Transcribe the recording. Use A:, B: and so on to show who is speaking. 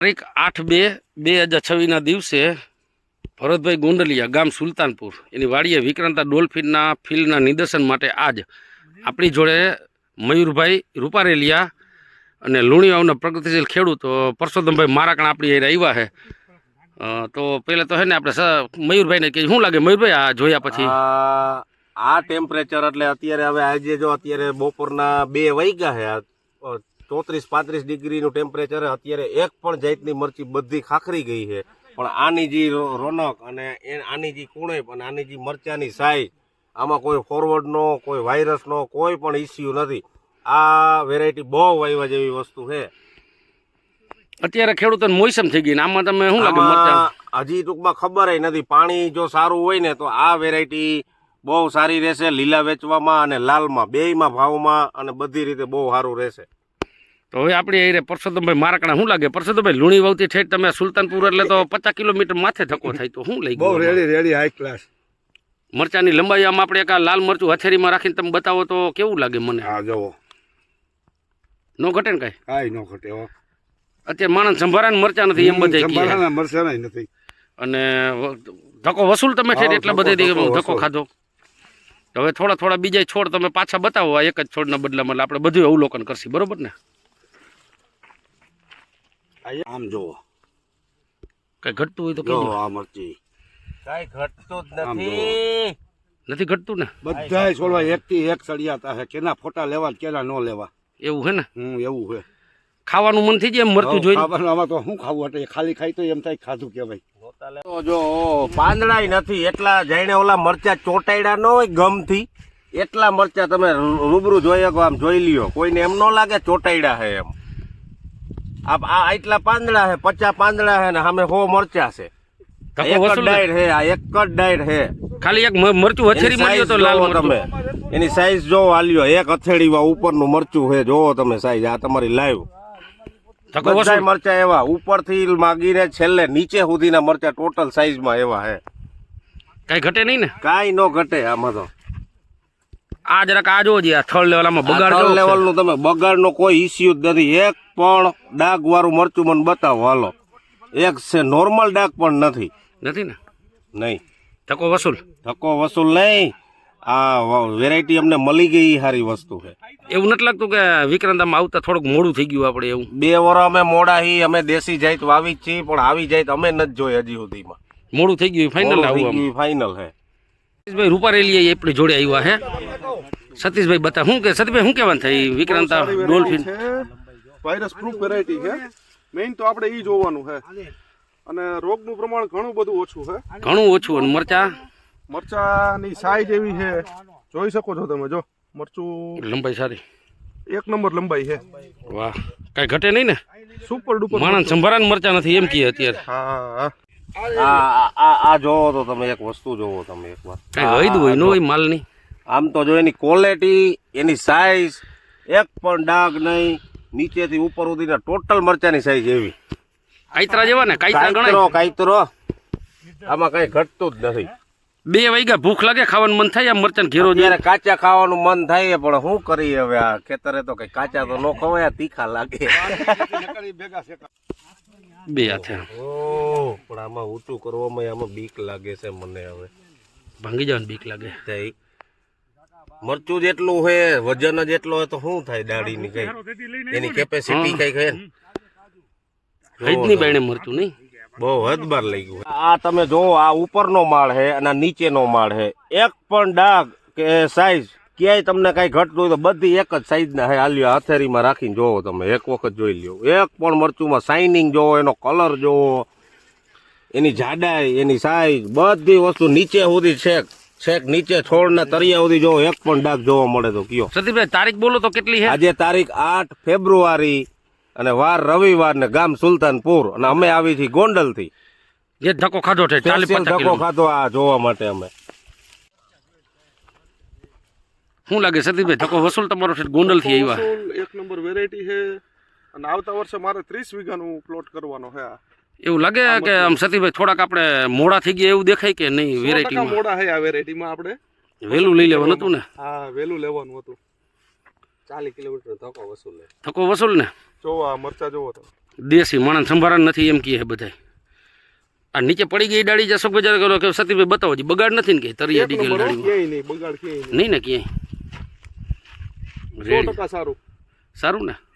A: તારીખ 8/2/2026 દિવસે ભરતભાઈ ગોંડલિયા ગામ સુલતાનપુર એની વાડીએ વિક્રાંતા ડોલ્ફિનના ફિલ્ડના નિદર્શન માટે આજ આપણી જોડે મયુરભાઈ રૂપારેલિયા અને લુણીવાવના પ્રગતિશીલ ખેડૂત પરસોત્તમભાઈ મારાકણ આપણી અહીં આવ્યા છે. તો પહેલાં તો હે ને આપણે મયુરભાઈને કે શું લાગે મયુરભાઈ આ જોયા પછી?
B: આ ટેમ્પરેચર એટલે અત્યારે હવે આજે જો અત્યારે બપોરના 2 વાગ્યા છે, 34-35 ડિગ્રીનું ટેમ્પરેચર. અત્યારે એક પણ જાતની મરચી બધી ખાખરી ગઈ છે, પણ આની જે રોનક અને આની જે કુણેપ અને આની જે મરચાની સાઈઝ, આમાં કોઈ ફોરવર્ડનો કોઈ વાયરસનો કોઈ પણ ઇસ્યુ નથી. આ વેરાયટી બહુ વાવ્યા જેવી વસ્તુ છે.
A: અત્યારે ખેડૂતોને મોસમ થઈ ગઈ ને આમાં તમે શું લાગે મરચા?
B: હજી ટૂંકમાં ખબર નથી. પાણી જો સારું હોય ને તો આ વેરાયટી બહુ સારી રહેશે, લીલા વેચવામાં અને લાલમાં બેયમાં ભાવમાં અને બધી રીતે બહુ સારું રહેશે.
A: તો હવે આપણી અહીં પરસોત્તમભાઈ મારાકણા શું લાગે? પરસોત્તમભાઈ લુણીવાવથી ઠેઠ તમે સુલતાનપુર એટલે તો 50 કિલોમીટર માથે ધક્કો થાય, તો શું લઈ
C: બહુ રેડી હાઈ ક્લાસ
A: મરચાની લંબાઈ આમાં આપણે એક લાલ મરચું હથેળીમાં રાખીને તમે બતાવો તો કેવું લાગે મને?
C: હા જવો
A: નો ઘટે ને કાંઈ?
C: કાંઈ નો ઘટે.
A: અત્યારે માણસ સંભાળાને મરચા નથી એમ બધા
C: મરચા નથી.
A: અને ધક્કો વસૂલ તમે છે એટલા બધે ધક્કો ખાધો. હવે થોડા બીજા છોડ તમે પાછા બતાવો આ એક જ છોડના બદલામાં, એટલે આપણે બધું અવલોકન કરશું, બરોબર ને?
C: આમ જોવો
A: કઈ ઘટતું હોય તો કહેજો.
C: આ મરચી
B: કાંઈ ઘટતું જ
A: નથી ઘટતું ને?
C: બધાય છોડવા એક થી એક સળિયાતા છે, કેના ફોટા લેવા કેના ન લેવા,
A: એવું હે ને?
C: એવું છે.
A: ખાવાનું મન થઈ જાય એમ મરતું જોઈ.
C: આમાં તો શું ખાવું એટલે ખાલી ખાઈ તો એમ થાય ખાધું કેવાય.
B: જો પાંદડાય નથી એટલા જાણે ઓલા મરચા ચોટાડ્યા ન હોય ગમથી, એટલા મરચા તમે રૂબરૂ જોઈ શકો, આમ જોઈ લ્યો. કોઈને એમ ન લાગે ચોટાડ્યા છે એમ. આ એટલા પાંદડા છે, 50 પાંદડા છે ને સામે 100 મરચા છે. એક જ ડાયર છે, આ એક જ ડાયર છે.
A: ખાલી એક મરચું હથેળીમાં લ્યો તો લાલ
B: તમે એની સાઈઝ જોવો, આ લ્યો એક હથેળીમાં ઉપરનું મરચું છે, જોવો તમે સાઈઝ. આ તમારી લાઈવ બધા મરચા એવા ઉપરથી માગીને છેલ્લે નીચે સુધીના મરચા ટોટલ સાઈઝમાં એવા છે.
A: કઈ ઘટે નહીં ને?
B: કાંઈ નો ઘટે આમાં તો.
A: આ જરાક આ જોવો જી, આ થર્ડ લેવલમાં બગાડ
B: લેવલનું તમે બગાડનો કોઈ ઇસ્યુ જ નથી. એક પણ ડાઘ વાળું મરચું મને બતાવો હાલો. એક છે નોર્મલ ડાઘ પણ નથી
A: ને?
B: નહીં.
A: ધક્કો વસૂલ
B: નહીં. આ વેરાયટી અમને મળી ગઈ, સારી વસ્તુ છે.
A: એવું નથી લાગતું કે વિક્રાંતામાં આવતા થોડુંક મોડું થઈ ગયું આપણે? એવું
B: 2 વર્ષ અમે મોડા હી, અમે દેશી જાત વાવી જ છીએ, પણ આવી જાત અમે નથી જોઈ હજી સુધીમાં.
A: મોડું થઈ ગયું ફાઇનલ?
B: ફાઇનલ છે.
A: સતીશભાઈ રૂપારેલિયા આપણી જોડે આવ્યા હે. સતીશભાઈ બતા શું કે સતીશભાઈ શું કહેવાનું થાય વિક્રાંતા ડોલ્ફિન?
D: વાયરસ પ્રૂફ વેરાયટી છે. મેઇન તો આપણે ઈ જોવાનું છે, અને રોગનું પ્રમાણ ઘણું બધું ઓછું છે.
A: ઘણું ઓછું. અને
D: મરચાની સાઈઝ એવી છે, જોઈ શકો છો તમે. જો મરચું
A: લંબાઈ સારી,
D: એક નંબર લંબાઈ છે.
A: વાહ, કઈ ઘટે નહીં ને?
D: Super duper.
A: માણસ સંભાળાને મરચા નથી એમ કહે અત્યારે.
B: આ જોવો તો તમે, એક વસ્તુ જોવો તમે એકવાર.
A: કઈ હૈદું હોય ન હોય માલની?
B: આમ તો જો એની ક્વોલિટી, એની સાઈઝ, એક પણ ડાઘ નહીં. નીચેથી ઉપર સુધીના ટોટલ મરચાની સાઈઝ એવી
A: કાઈતરા જેવા ને? કાઈતરા ગણાય.
B: કાઈતરો આમાં કઈ ઘટતું જ નથી.
A: 2 વાગ્યા ભૂખ લાગે, ખાવાનું મન થાય, આ મરચાં ઘેરો
B: જ્યારે કાચા ખાવાનું મન થાય, પણ શું કરીએ હવે? આ ખેતરે તો કઈ કાચા તો ન ખવાય, તીખા લાગે.
A: 2 હાથે
B: પણ આમાં ઊંચું કરવામાં આમાં બીક લાગે છે મને. હવે
A: ભાંગી જવાની બીક લાગે.
B: મરચું જેટલું હોય, વજન જેટલો હોય તો શું થાય દાઢીની? કઈ એની કેપેસિટી કઈ છે?
A: હૈદની બાયણે મરચું નહીં,
B: બહુ હદબાર લઈ ગયું. આ તમે જોવો, આ ઉપરનો માળ છે અને નીચેનો માળ છે. એક પણ ડાઘ કે સાઈઝ ક્યાંય તમને કઈ ઘટતું હોય તો બધી એક જ સાઈઝના છે. આલ્યો હથેળીમાં રાખીને જોવો તમે, એક વખત જોઈ લ્યો. એક પણ મરચુંમાં શાઇનિંગ જોવો, એનો કલર જોવો, એની જાડાઈ, એની સાઈઝ, બધી વસ્તુ નીચે સુધી છેક નીચે છોડના તળિયા સુધી જોવો, એક પણ ડાઘ જોવા મળે તો કયો?
A: સતીશભાઈ તારીખ બોલો તો કેટલી છે?
B: આજે તારીખ 8 ફેબ્રુઆરી અને વાર રવિવાર ને ગામ સુલતાનપુર, અને અમે આવી છીએ ગોંડલ થી.
A: જે ધક્કો ખાધો છે 40-50
B: ધક્કો ખાધો આ જોવા માટે અમે.
A: શું લાગે સતીશભાઈ, ધક્કો વસૂલ તમારો છે? ગોંડલ થી આવ્યા,
D: એક નંબર વેરાયટી છે, અને આવતા વર્ષે મારે 30 વીઘાનું પ્લોટ કરવાનો છે.
A: એવું લાગે કે આમ સતીશભાઈ થોડાક આપણે મોડા થઈ ગયા એવું દેખાય કે નહીં? વેરાયટીમાં
D: મોડા છે. આ વેરાયટીમાં આપણે
A: વહેલું લઈ લેવાનું હતું ને?
D: હા, વહેલું લેવાનું હતું.
B: 40 કિલોમીટર ધક્કો વસૂલ
A: ને?
D: જોવો આ મરચા જોવો તો
A: દેશી માણસ સંભારણ નથી એમ કહે બધાય. આ નીચે પડી ગઈ ડાળી જશો બજાર કરો કે સતીભાઈ બતાવો જી બગાડ નથી ને કે તરિયા
D: એક
A: ડીકેલ
D: નંબર હો,
A: ડાળી
D: ક્યાંય નહીં બગાડ ક્યાંય નહીં
A: નહીં ને ક્યાંય
D: 100% સારું
A: સારું ને